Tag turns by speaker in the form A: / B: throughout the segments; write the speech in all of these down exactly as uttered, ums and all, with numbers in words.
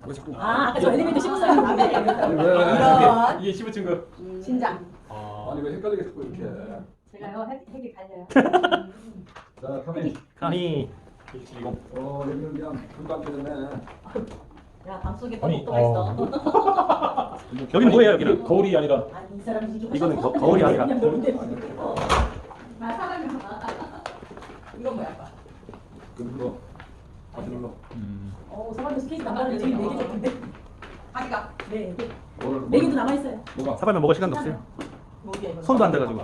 A: 왜 자꾸?
B: 아, 아까 저 엘리베이터 씹었어요.
A: 아니 왜?
B: 이런.
C: 이게 씹은 증거.
B: 신장.
C: 아.
A: 아니 왜 헷갈리게 자꾸 이렇게?
B: 제가요, 핵, 핵이 갈려요.
A: 자, 카메.
C: 카니. 이거.
A: 어, 여기는 그냥 금방 되네.
B: 야, 밤속에 또
C: 아니,
B: 목도가 있어.
C: 여기는 뭐예요? 여기는 거울이 아니라.
B: 아니, 이 사람이 이게
C: 이거는 거- 거울이 아니라.
B: 그냥 뭔데?
D: 나 사람이 이건 뭐야? 아빠?
A: 그거 다시 눌러.
C: 음.
B: 어, 사람들 스케이트 남다른 되게 네개 줬는데.
D: 아기가
B: 네, 네.
A: 뭘?
B: 네 개도 남아있어요.
A: 뭐가?
C: 사발면 먹을 시간도 없어요.
D: 뭐야 이거?
C: 손도 안 돼가지고.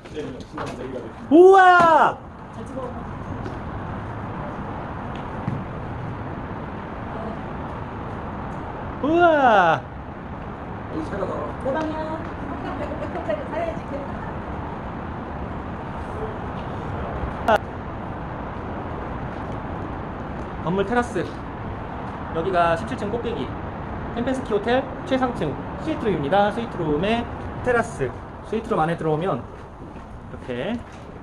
C: 우와!
B: 잘 찍어.
C: 우와!
A: 여기 새가 달아.
B: 내 방이야.
D: 백합차를 사야지.
C: 건물 테라스. 여기가 십칠 층 꼭대기. 햄펜스키 호텔 최상층 스위트룸입니다. 스위트룸의 테라스. 스위트룸 안에 들어오면 이렇게.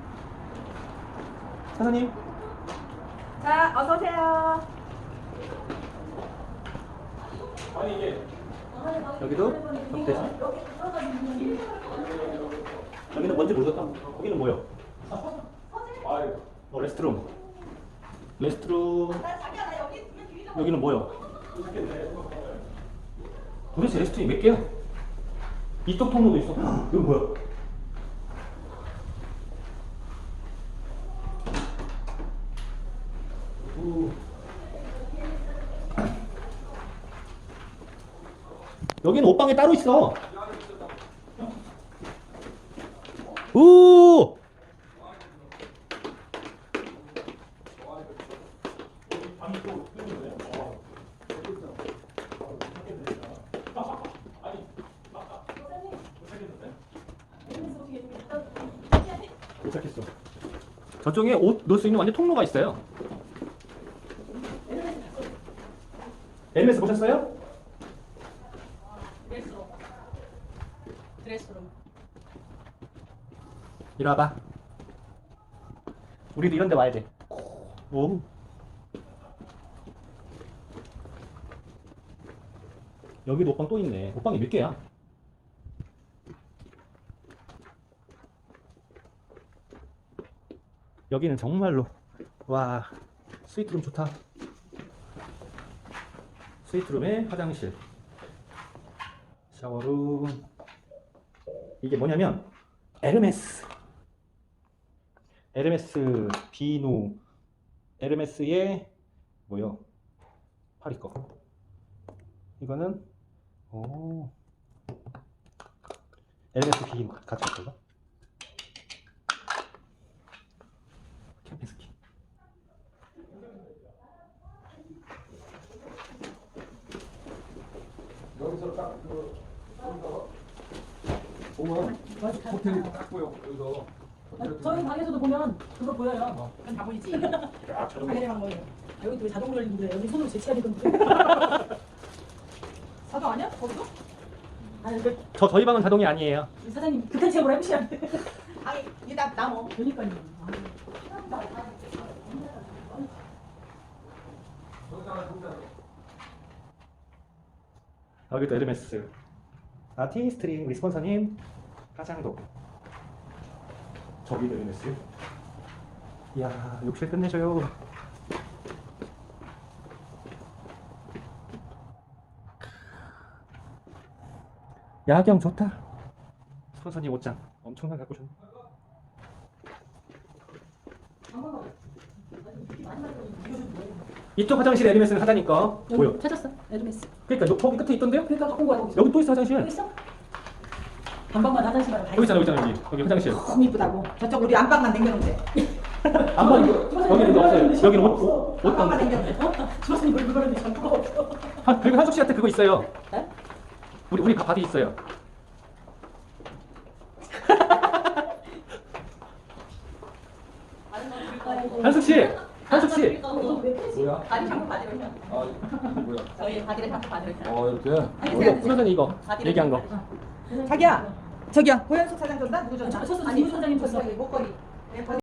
C: 사장님.
D: 자, 어서 오세요.
C: 아니 이게 여기도 접대실. 여기는 뭔지 모르겠다. 여기는 뭐야? 어, 레스트룸. 레스트룸.
D: 자기야 나 여기 있으면 뒤좀
C: 여기는 뭐야? 도대체 레스트룸이 몇 개야? 이쪽 통로도 있어. 이거 뭐야? 우. 여기는 옷방에 따로 있어. 우! 도착했어. 저쪽에 옷 넣을 수 있는 완전 통로가 있어요. 엘엠에스 보셨어요?
B: 드레스룸. 드레스룸.
C: 이리 와봐. 우리도 이런 데 와야 돼. 오. 여기도 옷방 또 있네. 옷방이 몇 개야? 여기는 정말로 와 스위트룸 좋다. 스위트룸에 화장실, 샤워룸. 이게 뭐냐면 에르메스 에르메스 비누 에르메스의 뭐요? 파리 거. 이거는 오 에르메스 비누 같이 있어가. 캠핑스키.
A: 여기서 딱그 보면 호텔이 딱 보여. 여기서 호텔
B: 저희 방에서도 보면 그거 보여요.
D: 그건 다 보이지.
A: 쫙 촬영.
D: 당연히 방 보여.
B: 여기 왜 자동으로 열리는데 여기 손으로 제치해야 되던데.
D: 사도 아니야? 거기도?
B: 아니, 그
C: 저 저희 방은 자동이 아니에요.
B: 사장님 그딴 체험을 해보셔야 돼.
D: 아니 이게 나 나무.
B: 그러니까요.
C: 여기도 에르메스. 아티스트링 우리 스폰서님 화장도. 저기도 에르메스. 이야 욕실 끝내줘요. 야경 좋다. 스폰서님 옷장 엄청나게 갖고 오셨네. 이쪽 화장실에 에르메스는 하다니까 보여.
B: 여기 찾았어. 에르메스.
C: 그러니까 요- 거기 끝에 있던데요?
B: 그러니까 갖고 온 거야. 거기서.
C: 여기 또 있어 화장실.
B: 여기 있어? 반방만 화장실 말고 다
C: 여기 있잖아, 여기 있잖아, 여기. 여기 화장실.
D: 너무 이쁘다고. 저쪽 우리 안방만 남겨놓은데.
C: 안방 여기는 없어요. 여기는 옷, 옷, 옷
D: 안방만
C: 방.
D: 남겨놓은데.
B: 주방님 뭘 그거를 잠깐 없어.
C: 아, 그리고 한숙 씨한테 그거 있어요.
B: 네?
C: 우리 우리 바디 있어요. 한숙 씨, 한숙 씨.
A: 뭐야?
D: 바디 샴푸 바디로 해.
A: 아 이거 뭐야?
D: 저희 바디를 샴푸 바디로 해.
A: 어 이렇게.
C: 이거 프로전에 이거 얘기한 거.
D: 자기야. 저기야. 고현숙 사장 줬나? 누구 줬나?
B: 줬어, 김 사장님 줬어.
D: 저기 목걸이. 내